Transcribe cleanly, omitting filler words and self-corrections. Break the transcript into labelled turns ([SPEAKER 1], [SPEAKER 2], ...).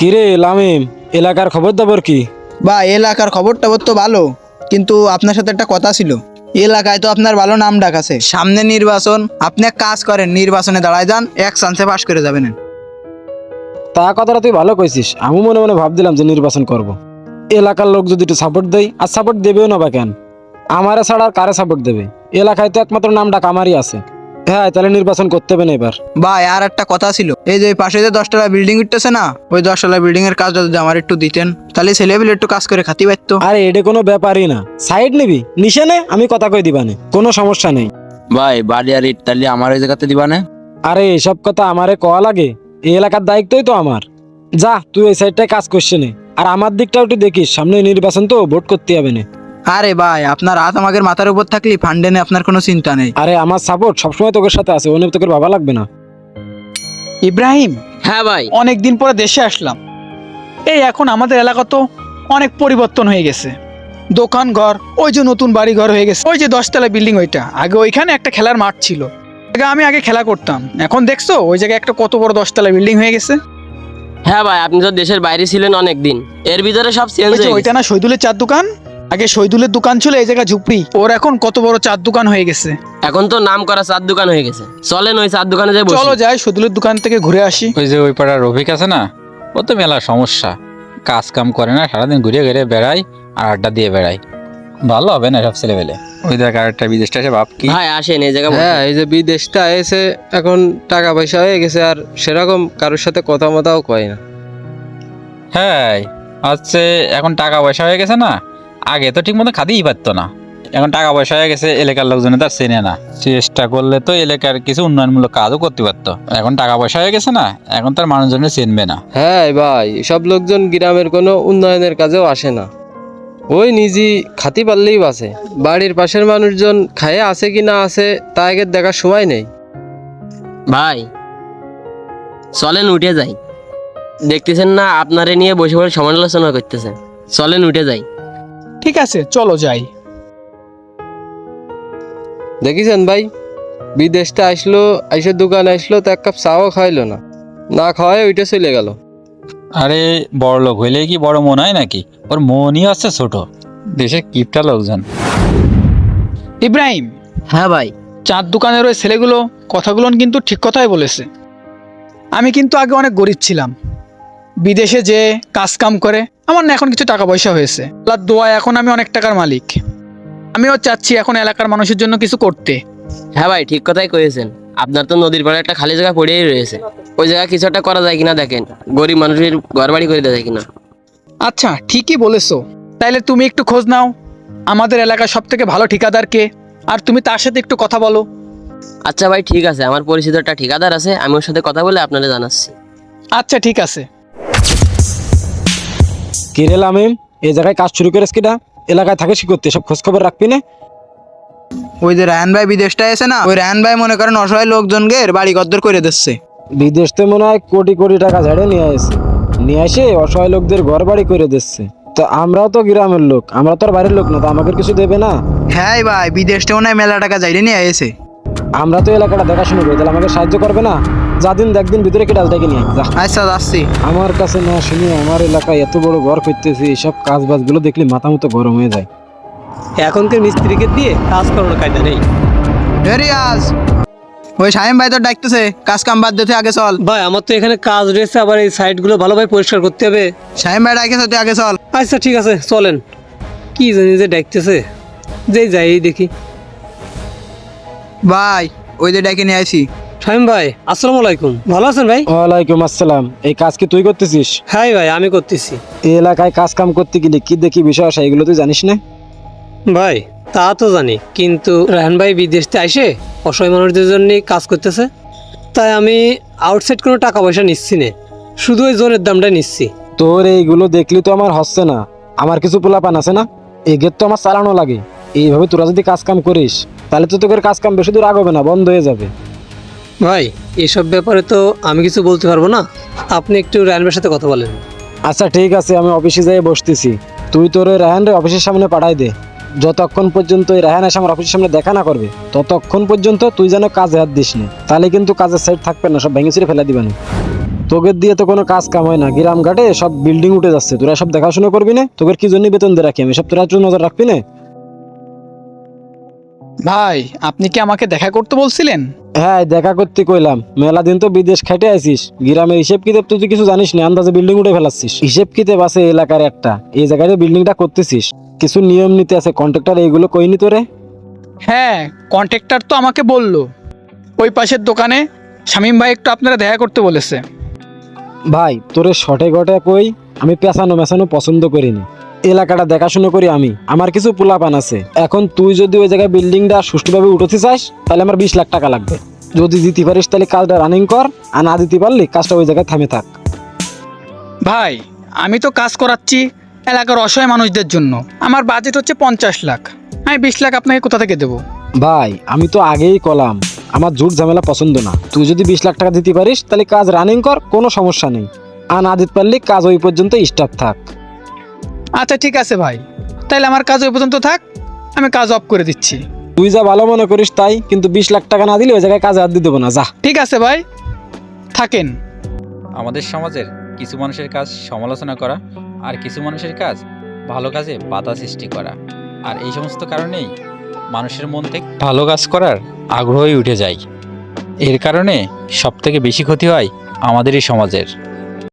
[SPEAKER 1] কিরে লামিম, এলাকার খবর দাবর কি?
[SPEAKER 2] বা এলাকার খবর টবর তো ভালো, কিন্তু আপনার সাথে একটা কথা ছিল। এলাকায় তো আপনার ভালো নাম ডাক আছে, সামনে নির্বাচন, আপনি এক কাজ করেন, নির্বাচনে দাঁড়ায় যান, এক চান্সে পাশ করে যাবেন।
[SPEAKER 1] তা কথাটা তুই ভালো কইছিস। আমি মনে মনে ভাবছিলাম যে নির্বাচন করব। এলাকার লোক যদি একটু সাপোর্ট দেয়, আর সাপোর্ট দেবেও না বা কেন, আমারে ছাড়া আর কারে সাপোর্ট দেবে? এলাকায় তো একমাত্র নাম ডাক আমারই আছে। হ্যাঁ, তাহলে নির্বাচন করতে হবে না এবার।
[SPEAKER 2] ভাই আর একটা কথা ছিল, এই যে পাশে যে 10 তলা বিল্ডিং উঠতেছে না, ওই 10 তলা বিল্ডিং এর কাজটা যদি আমার একটু দিতেন, তাহলে ছেলেপিলে একটু কাজ করে খাতি পারতো।
[SPEAKER 1] আরে এটা কোনো ব্যাপারই না, সাইড নিবি নিশানে আমি কথা কই দিবানে, কোনো সমস্যা নেই।
[SPEAKER 3] ভাই বাড়ি আর ইট তাহলে আমার ওই জায়গাতে দিবা না?
[SPEAKER 1] আরে এসব কথা আমারে কওয়া লাগে? এই এলাকার দায়িত্বই তো আমার। যা তুই এই সাইডটায় কাজ করছে নে, আর আমার দিকটাও একটু দেখিস, সামনে নির্বাচন তো, ভোট করতে হবে না।
[SPEAKER 2] আরে ভাই আপনার হাত আমাদের মাথার উপর থাকলে ফান্ডে নিয়ে আপনার কোনো চিন্তা নেই।
[SPEAKER 1] আরে আমার সাপোর্ট সবসময় তোর সাথে আছে, অন্য তোকে ভাবা লাগবে না।
[SPEAKER 4] ইব্রাহিম,
[SPEAKER 5] হ্যাঁ ভাই।
[SPEAKER 4] অনেক দিন পরে দেশে আসলাম। এই এখন আমাদের এলাকা তো অনেক পরিবর্তন হয়ে গেছে। দোকান ঘর, ওই যে নতুন বাড়ি ঘর হয়ে গেছে, ওই যে 10 তলা বিল্ডিং, ওইটা আগে ওইখানে একটা খেলার মাঠ ছিল। আমি আগে খেলা করতাম, এখন দেখছো ওই জায়গায় একটা কত বড় 10 তলা বিল্ডিং হয়ে গেছে।
[SPEAKER 5] হ্যাঁ ভাই, আপনি তো দেশের বাইরে ছিলেন অনেক দিন, এর ভিতরে সব চেঞ্জ
[SPEAKER 4] ওই যে
[SPEAKER 5] হয়ে
[SPEAKER 4] ওইটা
[SPEAKER 5] গেছে।
[SPEAKER 4] না শহীদুলের চার দোকান, আগে শহীদুলের দোকান ছিল এই জায়গা ঝুপড়ি, ওর এখন কত বড় চার দোকান হয়ে গেছে।
[SPEAKER 5] এখন তো নাম করা চার দোকান হয়ে গেছে। চলেন ওই চার দোকানে যাই বসি।
[SPEAKER 4] চলো যাই শহীদুলের দোকান থেকে ঘুরে আসি।
[SPEAKER 6] ওই যে ওই পাড়ার রফিক আছে না, ও তো মেলা সমস্যা, কাজ কাম করে না, সারাদিন ঘুরে ঘুরে বেড়ায় আর আড্ডা দিয়ে বেড়ায়। ভালো হবে না সব ছেলেবেলে। ওই দেখ আরেকটা বিদেশটা এসে ভাব কি।
[SPEAKER 5] ভাই আসেন এই জায়গা বসি।
[SPEAKER 7] হ্যাঁ, এই যে বিদেশটা এসে এখন টাকা পয়সা হয়ে গেছে, আর সেরকম কারোর সাথে কথা মতাও কয় না।
[SPEAKER 6] হ্যাঁ হচ্ছে, এখন টাকা পয়সা হয়ে গেছে না, আগে তো ঠিক মতো খাতেই পারতো না, এখন টাকা পয়সা হয়ে গেছে, এলাকার লোকজনে তার চেনে না, চেষ্টা করলে তো এলাকার কিছু উন্নয়নমূলক কাজও করতে পারতো। এখন টাকা পয়সা হয়ে গেছে না, এখন তার মানুষজনে চিনবে না।
[SPEAKER 7] হ্যাঁ ভাই, সব লোকজন গ্রামের কোনো উন্নয়নের কাজেও আসে না, ওই নিজে খাতি পারলেই বাঁচে। বাড়ির পাশের মানুষজন খায়ে আছে কি না আছে তা আগে দেখার সময় নেই।
[SPEAKER 5] ভাই চলেন উঠে যাই, দেখতেছেন না আপনারে নিয়ে বসে বসে সমালোচনা করতেছে। চলেন উঠে যাই।
[SPEAKER 4] ঠিক আছে চলো যাই।
[SPEAKER 7] দেখিছেন ভাই, বিদেশটা আসলো, আইসে দোকান আসলো, তো এক কাপ চাও খাইলো না, না খাওয়ায় ওইটা চলে গেল।
[SPEAKER 6] আরে বড় লোক হইলেই কি বড় মন হয় নাকি? ওর মনই আছে ছোট। দেশে কিপটা লোকজন।
[SPEAKER 4] ইব্রাহিম,
[SPEAKER 5] হ্যাঁ ভাই।
[SPEAKER 4] চার দোকানের ওই ছেলেগুলো কথাগুলো কিন্তু ঠিক কথাই বলেছে। আমি কিন্তু আগে অনেক গরিব ছিলাম, বিদেশে যে কাজ কাম করে আমার না এখন কিছু টাকা পয়সা হয়েছে, আল্লাহর দোয়ায় এখন আমি অনেক টাকার মালিক। আমিও চাচ্ছি এখন এলাকার মানুষের জন্য কিছু করতে।
[SPEAKER 5] হ্যাঁ ভাই, ঠিক কথাই কয়েছেন। আপনার তো নদীর পাড়ে একটা খালি জায়গা পড়েই রয়েছে, ওই জায়গা কিছু একটা করা যায় কিনা দেখেন, গরিব মানুষের ঘর বাড়ি করে দেওয়া যায় কিনা।
[SPEAKER 4] আচ্ছা ঠিকই বলেছো, তাইলে তুমি একটু খোঁজ নাও আমাদের এলাকার সব থেকে ভালো ঠিকাদার কে, আর তুমি তার সাথে একটু কথা বলো।
[SPEAKER 5] আচ্ছা ভাই ঠিক আছে, আমার পরিচিত একটা ঠিকাদার আছে, আমি ওর সাথে কথা বলে আপনাদের জানাচ্ছি।
[SPEAKER 4] আচ্ছা ঠিক আছে।
[SPEAKER 1] কিরে লামিম, এই জায়গায় কাজ শুরু করেছ কিনা? এলাকায় থাকিস কি করতে, সব খোঁজ খবর রাখবি না?
[SPEAKER 2] ওই যে রায়হান ভাই বিদেশটা এসে না, ওই রায়হান ভাই মনে করেন অসহায় লোকজনকে বাড়ি গদ্দর করে দিচ্ছে।
[SPEAKER 1] বিদেশ তো মনে হয় কোটি কোটি টাকা ঝাড়ে নিয়ে এসে অসহায় লোকদের ঘর বাড়ি করে দিচ্ছে। তো আমরাও তো গ্রামের লোক, আমরা তো আর বাইরের লোক না, তো আমাদের কিছু দেবে না?
[SPEAKER 2] হ্যাঁ ভাই, বিদেশটা মনে হয় মেলা টাকা যাইলে নিয়ে এসে।
[SPEAKER 1] আমরা তো এলাকাটা দেখাশোনা করি, তাহলে আমাকে সাহায্য করবে না? যাদিন দেখদিন ভিতরে কি ডালটাকে নিয়ে যা।
[SPEAKER 2] আচ্ছা যাচ্ছি।
[SPEAKER 1] আমার কাছে না শুনি আমার এলাকায় এত বড় ঘর করতেছি, এইসব কাজ বাজগুলো দেখলে মাথা মতো গরম হয়ে যায়।
[SPEAKER 8] এখনকার মিস্ত্রিকে দিয়ে কাজ করানোর কায়দা নেই।
[SPEAKER 2] রিয়াজ, ওই শাহিম ভাই তো ডাকতেছে, কাজ কাম বাদ দিতে আগে চল।
[SPEAKER 8] ভাই আমার তো এখানে কাজ রয়েছে, আবার এই সাইডগুলো ভালোভাবে পরিষ্কার করতে হবে।
[SPEAKER 2] শাহিম ভাই ডাকতেছে, তুই আগে চল।
[SPEAKER 8] আচ্ছা ঠিক আছে চলেন। কি জানি যে ডাকতেছে, যেই যাই দেখি।
[SPEAKER 2] ভাই ওই যে ডাকে নিয়ে আসি।
[SPEAKER 8] শামিম ভাই আসসালামু আলাইকুম, ভালো আছেন ভাই?
[SPEAKER 1] ওয়ালাইকুম আসসালাম। এই কাজ কি তুই করতেছিস?
[SPEAKER 8] হ্যাঁ ভাই আমি করতেছি।
[SPEAKER 1] এই এলাকায় কাজ কাম করতে গেলে কি দেখি বিষয় আসে, এগুলো তুই জানিস না?
[SPEAKER 8] ভাই তা তো জানি, কিন্তু রাহান ভাই বিদেশ থেকে আইসে অসহায় মানুষদের জন্য কাজ করতেছে, তাই আমি আউটসাইড কোনো টাকা পয়সা নিচ্ছি না, শুধু ওই জোনের দামটা নিচ্ছি।
[SPEAKER 1] তোর এইগুলো দেখলি তো আমার হচ্ছে না। আমার কিছু পোলাপান আছে না, এগের তো আমার চালানো লাগে। এইভাবে তোরা যদি কাজ কাম করিস, তাহলে তো তোর কাজ কাম বেশি দূর আগবে না, বন্ধ হয়ে যাবে।
[SPEAKER 8] ভাই এসব ব্যাপারে তো আমি কিছু বলতে পারবো না, আপনি একটু রাহান ভাইয়ের সাথে কথা বলেন।
[SPEAKER 1] আচ্ছা ঠিক আছে, আমি অফিসে যাই বসতেছি। তুই তোর ওই রায়হান রে অফিসের সামনে পাঠাই দে। যতক্ষণ পর্যন্ত ওই রায়হান এসে আমার অফিসের সামনে দেখা না করবে, ততক্ষণ পর্যন্ত তুই যেন কাজে হাত দিস না, তাহলে কিন্তু কাজের সাইড থাকবে না, সব ভেঙে ছিঁড়ে ফেলে দিবেন। তোদের দিয়ে তো কোনো কাজ কাম হয় না, গ্রাম ঘাটে সব বিল্ডিং উঠে যাচ্ছে, তোরা সব দেখাশোনা করবি না? তোদের কি জন্য বেতন দিয়ে রাখি আমি, সব তোরা একটু নজর রাখবি না?
[SPEAKER 4] ভাই আপনি কি আমাকে দেখা করতে বলছিলেন?
[SPEAKER 1] হ্যাঁ, দেখা করতে কইলাম, মেলা দিন তো বিদেশ খাইতে আইছিস, গ্রামের হিসেব কিতাব তুই কিছু জানিস না, আন্দাজে বিল্ডিং উঠে ফেলাচ্ছিস। হিসেব কিতাব আছে এলাকার একটা, এই জায়গায় বিল্ডিংটা করতেছিস, কিছু নিয়ম নীতি আছে, কন্ট্রাক্টর এইগুলো কইনি তোরে?
[SPEAKER 4] হ্যাঁ, কন্ট্রাক্টর তো আমাকে বলল ওই পাশের দোকানে শামীম ভাই একটু আপনারা দেখা করতে বলেছে।
[SPEAKER 1] ভাই তোরে শটে গটে কই, আমি পেছানো মেছানো পছন্দ করি না, এলাকাটা দেখাশুনো করি আমি, আমার কিছু পোলাপান আছে। এখন তুই যদি ওই জায়গায় বিল্ডিংটা সুষ্ঠুভাবে উঠতে চাস তাহলে আমার 20 লাখ টাকা লাগবে। যদি দিতে পারিস তাহলে কাজটা রানিং কর, আর না দিতে পারলি কাজটা ওই জায়গায় থামে থাক।
[SPEAKER 4] ভাই আমি তো কাজ করাচ্ছি এলাকার অসহায় মানুষদের জন্য, আমার বাজেট হচ্ছে 50 লাখ, আমি 20 লাখ আপনাকে কোথা থেকে দেবো?
[SPEAKER 1] ভাই আমি তো আগেই কলাম, আমার ঝুট ঝামেলা পছন্দ না। তুই যদি 20 লাখ টাকা দিতে পারিস তাহলে কাজ রানিং কর, কোনো সমস্যা নেই, আর না দিতে পারলি কাজ ওই পর্যন্ত স্টার্ট থাক।
[SPEAKER 4] আচ্ছা ঠিক আছে ভাই, তাহলে আমার কাজ ওই পর্যন্ত থাক, আমি কাজ অফ করে দিচ্ছি।
[SPEAKER 1] তুই যা ভালো মনে করিস তাই, কিন্তু 20 লাখ টাকা না দিলে ওই জায়গায় কাজে হাত দিয়ে দেবো না, যা।
[SPEAKER 4] ঠিক আছে ভাই, থাকেন।
[SPEAKER 6] আমাদের সমাজের কিছু মানুষের কাজ সমালোচনা করা, আর কিছু মানুষের কাজ ভালো কাজে বাধা সৃষ্টি করা, আর এই সমস্ত কারণেই মানুষের মন থেকে ভালো কাজ করার আগ্রহই উঠে যায়। এর কারণে সবথেকে বেশি ক্ষতি হয় আমাদের এই সমাজের।